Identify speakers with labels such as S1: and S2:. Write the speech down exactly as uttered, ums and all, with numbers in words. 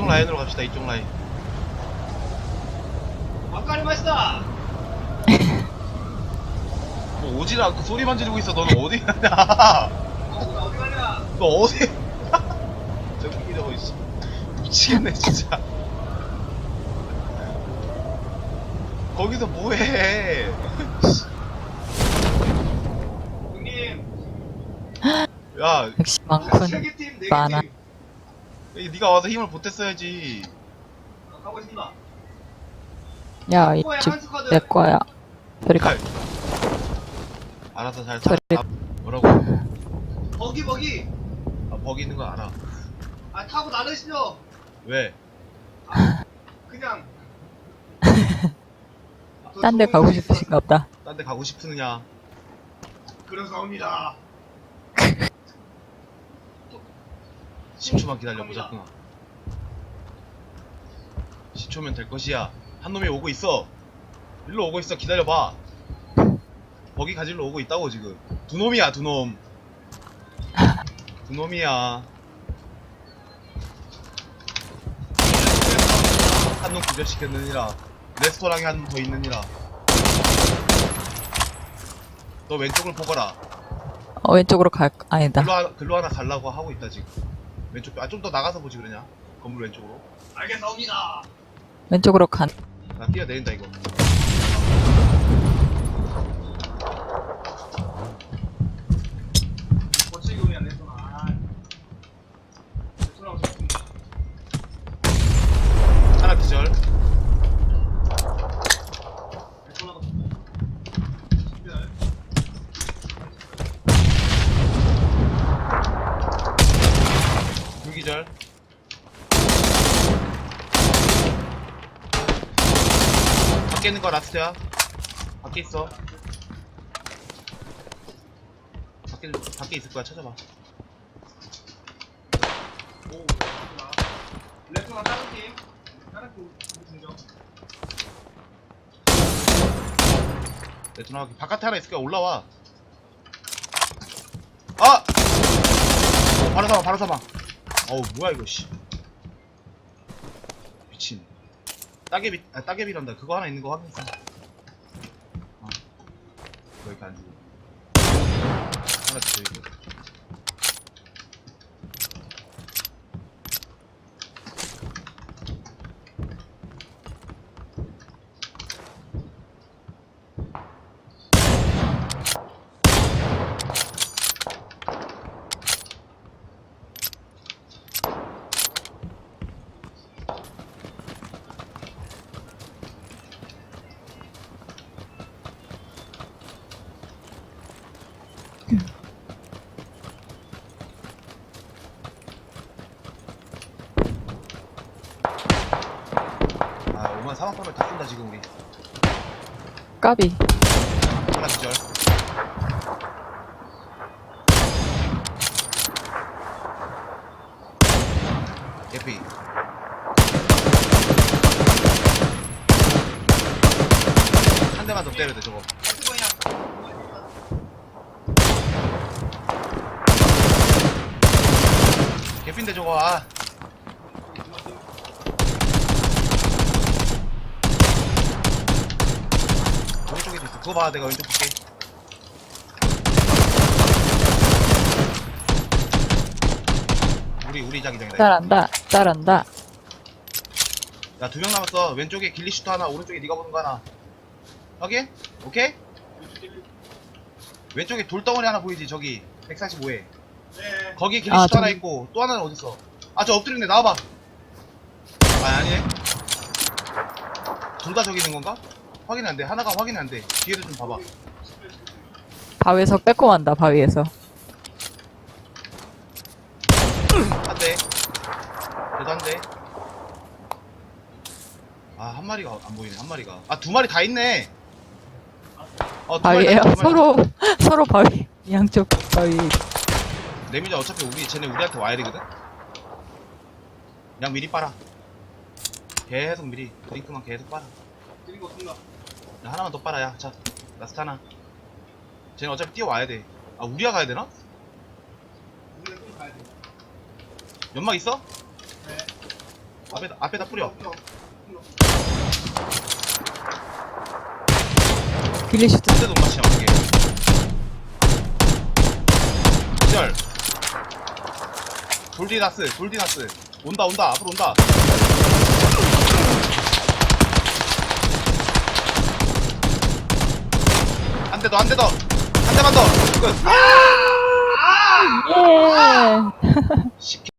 S1: 라인으로 갑시다. 이쪽 라인.
S2: 아까리 맛있다.
S1: 뭐 오질 않고 소리만 지르고 있어. 너는 어디 가냐?
S2: 어디 가냐?
S1: 너 어디? 저기 저거 있어. 미치겠네 진짜. 거기서 뭐해?
S2: 형님.
S1: 야,
S3: 역시 많군.
S2: 세개 팀, 네개
S3: 많아.
S2: 팀.
S1: 이 네가 와서 힘을 보탰어야지.
S2: 아, 가고 있습니다.
S3: 야,
S2: 후보의
S3: 이집
S2: 한수 카드.
S3: 내 거야. 저리 가.
S1: 아이, 알아서 잘 살.
S3: 저리-
S1: 아, 뭐라고?
S2: 버기 버기.
S1: 아, 버기 있는 거 알아.
S2: 아 타고 나르시죠.
S1: 왜?
S2: 그냥.
S3: 딴 데 가고 싶으신가 보다.
S1: 딴 데 가고 싶으느냐?
S2: 그래서 옵니다.
S1: 십 초만 기다려보자꾸나. 십 초면 될 것이야. 한 놈이 오고 있어. 일로 오고 있어. 기다려봐. 버기 가지러 오고 있다고 지금. 두 놈이야, 두 놈. 두 놈이야. 한 놈 구별시켰느니라. 레스토랑에 한 놈 더 있느니라. 너 왼쪽을 보거라.
S3: 어, 왼쪽으로 갈, 아니다.
S1: 글로, 하나, 글로 하나 가려고 하고 있다 지금. 왼쪽. 아, 좀 더 나가서 보지 그러냐? 건물 왼쪽으로.
S2: 알겠사옵니다.
S3: 왼쪽으로 간.
S1: 나 뛰어내린다 이거.
S2: 거칠게 오냐 레스토랑. 아. 레스토랑 좋습니다.
S1: 하나 기절.
S2: 레스토랑.
S1: 둘 기절. 밖에 있는 거 라스트야. 밖에 있어. 밖에 밖에 있을 거야. 찾아봐.
S2: 오, 레스토랑 다른 팀. 다른 팀 중정.
S1: 레토나 바깥에 하나 있을 거야. 올라와. 아! 어, 바로 사망, 바로 사망. 어우, 뭐야 이거 씨. 미친. 따개비, 아 따개비란다. 그거 하나 있는 거 확인했어. 어. 그거 이렇게 안 주고. 하나 더 이거. 아, 오만 사망법을 다 쏜다 지금 우리.
S3: 까비.
S1: 하나 기절. 예피. 한 대만 더 때려야 돼 저거. 개핀데 저거. 아. 오른쪽에도 있어. 그거 봐. 내가 왼쪽 볼게. 우리 우리 자기장이다.
S3: 따라한다. 따라한다.
S1: 야, 두 명 남았어. 왼쪽에 길리슈트 하나, 오른쪽에 네가 보는 거 하나. 확인? 오케이? 왼쪽에 돌덩어리 하나 보이지? 저기 백사십오에.
S2: 네.
S1: 거기에
S3: 아,
S1: 길리슈트 하나
S3: 저기.
S1: 있고 또 하나는 어딨어? 아, 저 엎드렸네. 나와봐. 아, 아니네. 둘 다 저기 있는 건가? 확인 안 돼. 하나가 확인 안 돼. 뒤에도 좀 봐봐.
S3: 바위에서 빼꼼한다, 바위에서.
S1: 한 대. 그래도 한 대. 아, 한 마리가 안 보이네. 한 마리가. 아, 두 마리 다 있네. 어, 두 마리 다
S3: 바위에요.
S1: 있다, 두 마리 다
S3: 서로, 서로 바위. 양쪽 바위.
S1: 내미자 어차피 우리 쟤네 우리한테 와야 되거든. 그냥 미리 빨아. 계속 미리 드링크만 계속 빨아.
S2: 드린 거 없습니다.
S1: 야, 하나만 더 빨아. 야, 자, 라스트 하나. 쟤네 어차피 뛰어와야 돼. 아, 우리가 가야 되나?
S2: 우리가 좀 가야 돼.
S1: 연막 있어?
S2: 네.
S1: 앞에다 앞에다 뿌려.
S3: 빌리슈트.
S1: 한대 돈맛이야 그게. 기절. 돌디나스 돌디나스 온다 온다 앞으로 온다. 한 대 더 한 대 더 한 대만 더 끝.
S3: 예.
S1: 십